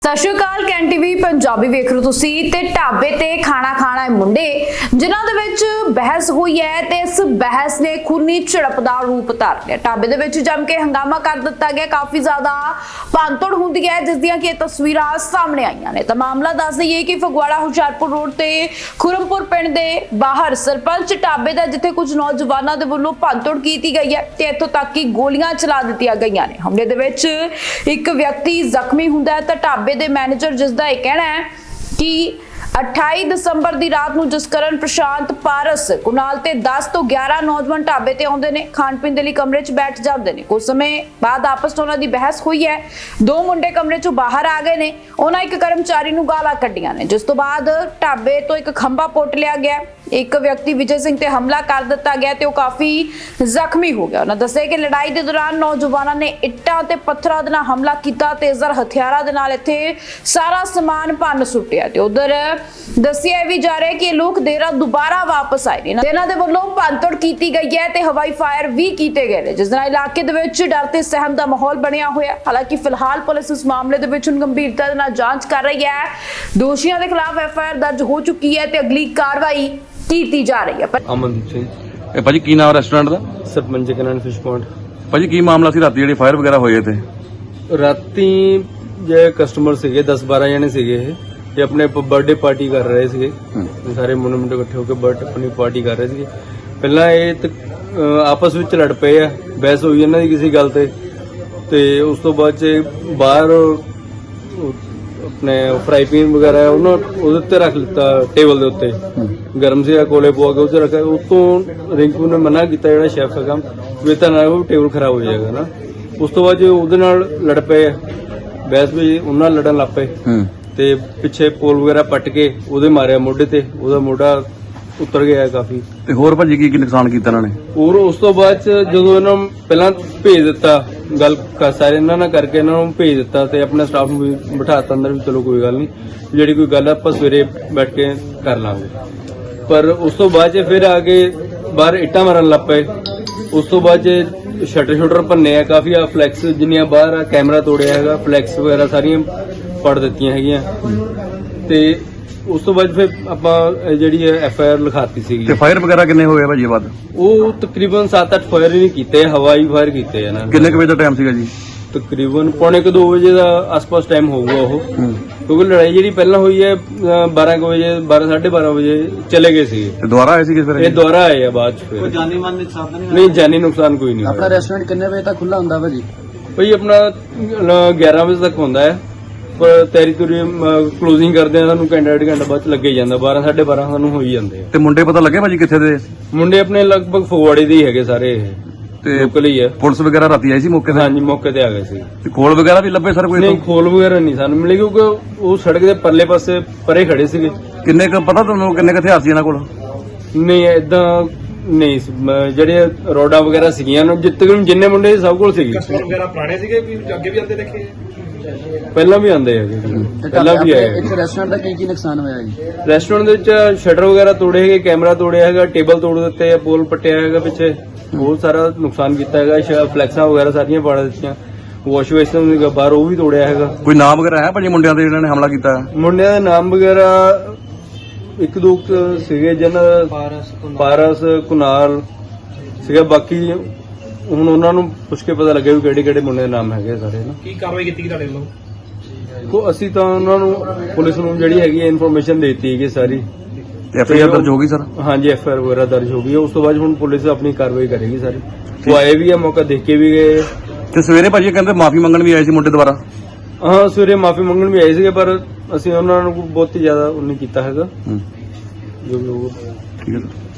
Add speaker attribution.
Speaker 1: ਸਤਿ ਸ਼੍ਰੀ ਅਕਾਲ। ਕੈਨ ਟੀਵੀ ਪੰਜਾਬੀ ਵੇਖ ਰਹੇ ਹੋ ਤੁਸੀਂ ਤੇ ਢਾਬੇ ਤੇ ਖਾਣਾ ਖਾਣਾ ਹੈ ਮੁੰਡੇ ਜਿਨ੍ਹਾਂ ਦੇ ਵਿੱਚ ਬਹਿਸ ਹੋਈ ਹੈ ਤੇ ਇਸ ਬਹਿਸ ਨੇ ਖੂਨੀ ਝੜਪ ਦਾ ਰੂਪ ਧਾਰ ਲਿਆ। ਢਾਬੇ ਦੇ ਵਿੱਚ ਜੰਮ ਕੇ ਹੰਗਾਮਾ ਕਰ ਦਿੱਤਾ ਗਿਆ। ਕਾਫੀ ਜ਼ਿਆਦਾ ਭੰਨਤੋੜ ਹੁੰਦੀ ਹੈ ਜਿਸ ਦੀਆਂ ਕਿ ਤਸਵੀਰਾਂ ਸਾਹਮਣੇ ਆਈਆਂ ਨੇ। ਤਾਂ ਮਾਮਲਾ ਦੱਸ ਦਈਏ ਕਿ ਫਗਵਾੜਾ ਹੁਸ਼ਿਆਰਪੁਰ ਰੋਡ ਤੇ ਖੁਰਮਪੁਰ ਪਿੰਡ ਦੇ ਬਾਹਰ ਸਰਪੰਚ ਢਾਬੇ ਦਾ ਜਿੱਥੇ ਕੁਝ ਨੌਜਵਾਨਾਂ ਦੇ ਵੱਲੋਂ ਭੰਨਤੋੜ ਕੀਤੀ ਗਈ ਹੈ ਤੇ ਇੱਥੋਂ ਤੱਕ ਕਿ ਗੋਲੀਆਂ ਚਲਾ ਦਿੱਤੀਆਂ ਗਈਆਂ ਨੇ। ਹਮਲੇ ਦੇ ਵਿੱਚ ਇੱਕ ਵਿਅਕਤੀ ਜ਼ਖਮੀ ਹੁੰਦਾ ਹੈ ਤਾਂ ਢਾਬੇ ਦੇ ਮੈਨੇਜਰ ਜਿਸ ਦਾ ਇਹ ਕਹਿਣਾ ਹੈ ਕਿ 28 ਦਸੰਬਰ ਦੀ ਰਾਤ ਨੂੰ ਜਸਕਰਨ ਪ੍ਰਸ਼ਾਂਤ ਪਾਰਸ ਕੁਨਾਲ ਤੇ 10 ਤੋਂ 11 ਨੌਜਵਾਨ ਢਾਬੇ ਤੇ ਆਉਂਦੇ ਨੇ। ਖਾਣ ਪੀਣ ਦੇ ਲਈ ਕਮਰੇ 'ਚ ਬੈਠ ਜਾਂਦੇ ਨੇ। ਕੁਝ ਸਮੇਂ ਬਾਅਦ ਆਪਸ 'ਚ ਉਹਨਾਂ ਦੀ ਬਹਿਸ ਹੋਈ ਹੈ। ਦੋ ਮੁੰਡੇ ਕਮਰੇ 'ਚੋਂ ਬਾਹਰ ਆ ਗਏ ਨੇ। ਉਹਨਾਂ ਇੱਕ ਕਰਮਚਾਰੀ ਨੂੰ ਗਾਲਾਂ ਕੱਢੀਆਂ ਨੇ ਜਿਸ ਤੋਂ ਬਾਅਦ ਢਾਬੇ ਤੋਂ ਇੱਕ ਖੰਭਾ ਪੁੱਟ ਲਿਆ ਗਿਆ। ਇੱਕ ਵਿਅਕਤੀ ਵਿਜੇ ਸਿੰਘ ਤੇ ਹਮਲਾ ਕਰ ਦਿੱਤਾ ਗਿਆ ਤੇ ਉਹ ਕਾਫੀ ਜ਼ਖਮੀ ਹੋ ਗਿਆ। ਉਹਨਾਂ ਦੱਸਿਆ ਕਿ ਲੜਾਈ ਦੇ ਦੌਰਾਨ ਨੌਜਵਾਨਾਂ ਨੇ ਇੱਟਾਂ ਤੇ ਪੱਥਰਾਂ ਦੇ ਨਾਲ ਹਮਲਾ ਕੀਤਾ। ਤੇਜ਼ਰ ਹਥਿਆਰਾਂ ਦੇ ਨਾਲ ਇੱਥੇ ਸਾਰਾ ਸਮਾਨ ਭੰਨ ਸੁੱਟਿਆ ਤੇ ਉਧਰ ਦੱਸਿਆ ਵੀ ਜਾ ਰਿਹਾ ਕਿ ਇਹ ਲੋਕ ਦੇਰ ਰਾਤ ਦੁਬਾਰਾ ਵਾਪਸ ਆਏ ਨੇ। ਇਹਨਾਂ ਦੇ ਵੱਲੋਂ ਭੰਨਤੋੜ ਕੀਤੀ ਗਈ ਹੈ ਤੇ ਹਵਾਈ ਫਾਇਰ ਵੀ ਕੀਤੇ ਗਏ ਨੇ ਜਿਸ ਨਾਲ ਇਲਾਕੇ ਦੇ ਵਿੱਚ ਡਰ ਤੇ ਸਹਿਮ ਦਾ ਮਾਹੌਲ ਬਣਿਆ ਹੋਇਆ। ਹਾਲਾਂਕਿ ਫਿਲਹਾਲ ਪੁਲਿਸ ਇਸ ਮਾਮਲੇ ਦੇ ਵਿੱਚ ਗੰਭੀਰਤਾ ਦੇ ਨਾਲ ਜਾਂਚ ਕਰ ਰਹੀ ਹੈ। ਦੋਸ਼ੀਆਂ ਦੇ ਖਿਲਾਫ ਐਫਆਈਆਰ ਦਰਜ ਹੋ ਚੁੱਕੀ ਹੈ ਤੇ ਅਗਲੀ ਕਾਰਵਾਈ ਕੀਤੀ ਜਾ ਰਹੀ ਹੈ।
Speaker 2: ਅਮਨਦੀਪ ਸਿੰਘ।
Speaker 3: ਇਹ ਭਾਜੀ ਕੀ ਨਾਮ ਰੈਸਟੋਰੈਂਟ ਦਾ?
Speaker 2: Sarpanch Kanan fish point.
Speaker 3: ਭਾਜੀ ਕੀ ਮਾਮਲਾ ਸੀ ਰਾਤੀ ਜਿਹੜੇ ਫਾਇਰ ਵਗੈਰਾ ਹੋਏ ਇੱਥੇ?
Speaker 2: ਰਾਤੀ ਜੇ ਕਸਟਮਰ ਸੀਗੇ 10-12 ਜਣੇ ਸੀਗੇ ਇਹ ਆਪਣੇ ਬਰਥਡੇ ਪਾਰਟੀ ਕਰ ਰਹੇ ਸੀਗੇ। ਸਾਰੇ ਮੁੰਡੇ ਇਕੱਠੇ ਹੋ ਕੇ ਬਰਥਡੇ ਆਪਣੀ ਪਾਰਟੀ ਕਰ ਰਹੇ ਸੀਗੇ। ਪਹਿਲਾਂ ਇਹ ਆਪਸ ਵਿੱਚ ਲੜ ਪਏ ਆ, ਬਹਿਸ ਹੋਈ ਇਹਨਾਂ ਦੀ ਕਿਸੇ ਗੱਲ ਤੇ ਉਸ ਤੋਂ ਬਾਅਦ ਚ ਬਾਹਰ ਆਪਣੇ ਫਰਾਈ ਪੈਨ ਵਗੈਰਾ ਉਹਦੇ ਉੱਤੇ ਰੱਖ ਲਿੱਤਾ ਟੇਬਲ ਦੇ ਉੱਤੇ। ਗਰਮ ਸੀ ਕੋਲੇ ਪਵਾ ਕੇ ਉੱਤੇ ਰੱਖਿਆ। ਉਤੋਂ ਰਿੰਕੂ ਨੇ ਮਨਾ ਕੀਤਾ ਜਿਹੜਾ ਸ਼ੈਫ ਦਾ ਕੰਮ ਵੀ ਤਾਂ ਨਾ ਉਹ ਟੇਬਲ ਖਰਾਬ ਹੋ ਜਾਏਗਾ ਨਾ। ਉਸ ਤੋਂ ਬਾਅਦ ਉਹਦੇ ਨਾਲ ਲੜ ਪਏ ਬਹਿਸ ਵੀ ਉਹਨਾਂ ਨਾਲ ਲੜਨ ਲੱਗ ਪਏ ਤੇ ਪਿੱਛੇ ਪੋਲ ਵਗੈਰਾ ਪੱਟ ਕੇ ਉਹਦੇ ਮਾਰਿਆ ਮੋਢੇ ਤੇ। ਉਹਦਾ ਮੋਢਾ ਉਤਰ ਗਿਆ ਕਾਫੀ।
Speaker 3: ਤੇ ਹੋਰ ਭਾਜੀ ਕੀ ਨੁਕਸਾਨ ਕੀਤਾ ਇਹਨਾਂ ਨੇ?
Speaker 2: ਹੋਰ ਉਸ ਤੋਂ ਬਾਅਦ ਚ ਜਦੋਂ ਇਹਨਾਂ ਨੂੰ ਪਹਿਲਾਂ ਭੇਜ ਦਿੱਤਾ ਗੱਲ ਸਾਰੇ ਇਹਨਾਂ ਨਾਲ ਕਰਕੇ ਇਹਨਾਂ ਨੂੰ ਭੇਜ ਦਿੱਤਾ ਤੇ ਆਪਣੇ ਸਟਾਫ ਨੂੰ ਵੀ ਬਿਠਾਤਾ ਅੰਦਰ ਵੀ ਚਲੋ ਕੋਈ ਗੱਲ ਨਹੀਂ ਜਿਹੜੀ ਕੋਈ ਗੱਲ ਆਪਾਂ ਸਵੇਰੇ ਬੈਠ ਕੇ ਕਰ ਲਾਂਗੇ। ਪਰ ਉਸ ਤੋਂ ਬਾਅਦ ਚ ਫਿਰ ਆ ਕੇ ਬਾਹਰ ਇੱਟਾਂ ਮਾਰਨ ਲੱਗ ਪਏ। ਉਸ ਤੋਂ ਬਾਅਦ ਚ ਸ਼ਟਰ ਭੰਨੇ ਆ ਕਾਫੀ। ਆ ਫਲੈਕਸ ਜਿੰਨੀਆਂ ਬਾਹਰ ਆ ਕੈਮਰਾ ਤੋੜਿਆ ਹੈਗਾ। ਫਲੈਕਸ ਵਗੈਰਾ ਸਾਰੀਆਂ ਪੜ ਦਿੱਤੀਆਂ ਹੈਗੀਆਂ ਤੇ ਉਸ ਤੋਂ ਬਾਅਦ ਫਿਰ ਆਪਾਂ ਜਿਹੜੀ ਐਫਆਈਆਰ ਲਿਖਾਤੀ ਸੀਗੀ।
Speaker 3: ਤੇ ਫਾਇਰ ਵਗੈਰਾ ਕਿੰਨੇ ਹੋਏ ਭਾਜੀ ਬਾਅਦ?
Speaker 2: ਉਹ ਤਕਰੀਬਨ 7-8 ਫਾਇਰ ਹੀ ਨਹੀਂ ਕੀਤੇ, ਹਵਾਈ ਫਾਇਰ ਕੀਤੇ ਇਹਨਾਂ ਨੇ।
Speaker 3: ਕਿੰਨੇ ਕੁ ਵਜੇ ਦਾ ਟਾਈਮ ਸੀਗਾ ਜੀ?
Speaker 2: ਤਕਰੀਬਨ 1:45-2 ਵਜੇ ਦਾ ਆਸ-ਪਾਸ ਟਾਈਮ ਹੋਊਗਾ ਉਹ। ਕਿਉਂਕਿ ਲੜਾਈ ਜਿਹੜੀ ਪਹਿਲਾਂ ਹੋਈ ਹੈ 12 ਵਜੇ 12-12:30 ਵਜੇ ਚਲੇ ਗਏ ਸੀਗੇ।
Speaker 3: ਤੇ ਦੁਬਾਰਾ ਆਏ ਸੀਗੇ ਫਿਰ? ਇਹ
Speaker 2: ਦੁਬਾਰਾ ਆਏ ਆ ਬਾਅਦ ਚ। ਫਿਰ
Speaker 4: ਜਾਨੀ ਮਾਲ ਨੁਕਸਾਨ
Speaker 2: ਨਹੀਂ, ਜਾਨੀ ਨੁਕਸਾਨ ਕੋਈ ਨਹੀਂ।
Speaker 4: ਆਪਣਾ ਰੈਸਟੋਰੈਂਟ ਕਿੰਨੇ ਵਜੇ ਤੱਕ ਖੁੱਲਾ ਹੁੰਦਾ ਭਾਜੀ?
Speaker 2: ਭਾਈ ਆਪਣਾ 11 ਵਜੇ ਤੱਕ ਹੁੰਦਾ ਹੈ ਪਰ ਤੇਰੀ ਤੁਰੀ ਕਲੋਜ਼ਿੰਗ ਕਰਦੇ ਆ ਸਾਨੂੰ ਘੰਟਾ ਡੇਢ ਘੰਟਾ ਬਾਅਦ ਚ ਲੱਗੇ ਜਾਂਦਾ। 12-12:30 ਸਾਨੂੰ ਹੋ ਹੀ ਜਾਂਦੇ ਆ।
Speaker 3: ਤੇ ਮੁੰਡੇ ਪਤਾ ਲੱਗੇ ਭਾਜੀ ਕਿੱਥੇ ਦੇ?
Speaker 2: ਮੁੰਡੇ ਆਪਣੇ ਲਗਭਗ ਫਗਵਾੜੇ ਦੇ ਹੀ ਹੈਗੇ ਸਾਰੇ। ਇਹ
Speaker 3: ਤੇ
Speaker 2: ਲੋਕਲ ਹੀ ਹੈ।
Speaker 3: ਪੁਲਿਸ ਵਗੈਰਾ ਰਾਤੀ ਆਈ ਸੀ ਮੌਕੇ ਤੇ?
Speaker 2: ਹਾਂਜੀ ਮੌਕੇ ਤੇ ਆ ਗਏ ਸੀ।
Speaker 3: ਤੇ ਖੋਲ ਵਗੈਰਾ ਵੀ ਲੱਭੇ ਸਰ ਕੋਈ?
Speaker 2: ਨਹੀਂ ਖੋਲ ਵਗੈਰਾ ਨਹੀਂ ਸਾਨੂੰ ਮਿਲੇ ਕਿਉਂਕਿ ਉਹ ਸੜਕ ਦੇ ਪਰਲੇ ਪਾਸੇ ਪਰੇ ਖੜੇ ਸੀਗੇ।
Speaker 3: ਕਿੰਨੇ ਕੁ ਪਤਾ ਤੁਹਾਨੂੰ ਕਿੰਨੇ ਕੁ ਹਥਿਆਰ ਸੀ ਇਹਨਾਂ ਕੋਲ?
Speaker 2: ਨਹੀਂ ਏਦਾਂ ਨਹੀਂ ਜਿਹੜੇ ਰੋਡਾਂ ਵਗੈਰਾ ਸੀਗੀਆਂ ਜਿੰਨੇ ਮੁੰਡੇ ਸਭ ਕੋਲ ਸੀਗੇ।
Speaker 5: ਕਸਟਮਰ ਵਗੈਰਾ ਪੁਰਾਣੇ ਸੀਗੇ ਵੀ ਅੱਗੇ ਵੀ ਆਉਂਦੇ ਦੇਖੇ?
Speaker 2: ਪਹਿਲਾਂ ਵੀ ਆਉਂਦੇ ਹੈਗੇ। ਪਹਿਲਾਂ ਵੀ ਆਏ।
Speaker 4: ਇੱਕ ਰੈਸਟੋਰੈਂਟ ਦਾ ਕੀ ਨੁਕਸਾਨ ਹੋਇਆ ਜੀ?
Speaker 2: ਰੈਸਟੋਰੈਂਟ ਦੇ ਵਿੱਚ ਸ਼ਟਰ ਵਗੈਰਾ ਤੋੜੇ ਹੈਗੇ, ਕੈਮਰਾ ਤੋੜਿਆ ਹੈਗਾ, ਟੇਬਲ ਤੋੜ ਦਿੱਤੇ, ਪੋਲ ਪੱਟਿਆ ਹੈਗਾ ਪਿੱਛੇ। ਬਹੁਤ ਸਾਰਾ ਨੁਕਸਾਨ ਕੀਤਾ ਹੈਗਾ। ਫਲੈਕਸਾਂ ਵਗੈਰਾ ਸਾਰੀਆਂ ਪਾੜ ਦਿੱਤੀਆਂ। ਵਾਸ਼ ਬੇਸਿਨ ਬਾਹਰ ਉਹ ਵੀ ਤੋੜਿਆ ਹੈਗਾ।
Speaker 3: ਕੋਈ ਨਾਮ ਵਗੈਰਾ ਹੈ ਭਾਜੀ ਮੁੰਡਿਆਂ ਦੇ ਜਿਹਨਾਂ ਨੇ ਹਮਲਾ ਕੀਤਾ?
Speaker 2: ਮੁੰਡਿਆਂ ਦੇ ਨਾਮ ਵਗੈਰਾ ਇੱਕ ਦੋ ਸੀਗੇ ਜਿਹਨਾਂ ਪਾਰਸ ਕੁਨਾਲ ਸੀਗਾ। ਬਾਕੀ ਹੁਣ ਉਹਨਾਂ ਨੂੰ ਪੁੱਛ ਕੇ ਪਤਾ ਲੱਗਿਆ ਵੀ ਕਿਹੜੇ ਮੁੰਡੇ ਦੇ ਨਾਮ ਹੈਗੇ ਸਾਰੇ ਨਾ।
Speaker 5: ਕੀ ਕਾਰਵਾਈ ਕੀਤੀ ਤੁਹਾਡੇ ਵੱਲੋਂ?
Speaker 2: ਅਸੀਂ ਤਾਂ ਉਹਨਾਂ ਨੂੰ ਪੁਲਿਸ ਨੂੰ ਜਿਹੜੀ ਹੈਗੀ ਇਨਫੋਰਮੇਸ਼ਨ ਦੇਤੀ ਹੈਗੀ ਸਾਰੀ।
Speaker 3: ਐਫਆਈਆਰ ਦਰਜ ਹੋ ਗਈ ਸਰ?
Speaker 2: ਹਾਂਜੀ ਐਫਆਈਆਰ ਵਗੈਰਾ ਦਰਜ ਹੋ ਗਈ ਹੈ। ਉਸ ਤੋਂ ਬਾਅਦ ਹੁਣ ਪੁਲਿਸ ਆਪਣੀ ਕਾਰਵਾਈ ਕਰੇਗੀ ਸਾਰੀ। ਉਹ ਆਏ ਵੀ ਆ, ਮੌਕਾ ਦੇਖ ਕੇ ਵੀ ਗਏ।
Speaker 3: ਤੇ ਸਵੇਰੇ ਭਾਜੀ ਕਹਿੰਦੇ ਮਾਫੀ ਮੰਗਣ ਵੀ ਆਏ ਸੀ ਮੁੰਡੇ ਦੁਬਾਰਾ?
Speaker 2: ਹਾਂ ਸਵੇਰੇ ਮਾਫੀ ਮੰਗਣ ਵੀ ਆਏ ਸੀਗੇ ਪਰ ਅਸੀਂ ਉਹਨਾਂ ਨੂੰ ਬਹੁਤੀ ਜ਼ਿਆਦਾ ਉਹ ਨਹੀਂ ਕੀਤਾ ਹੈਗਾ। ਜੋ ਵੀ ਹੋਊਗਾ
Speaker 3: ਠੀਕ ਹੈ ਸਰ।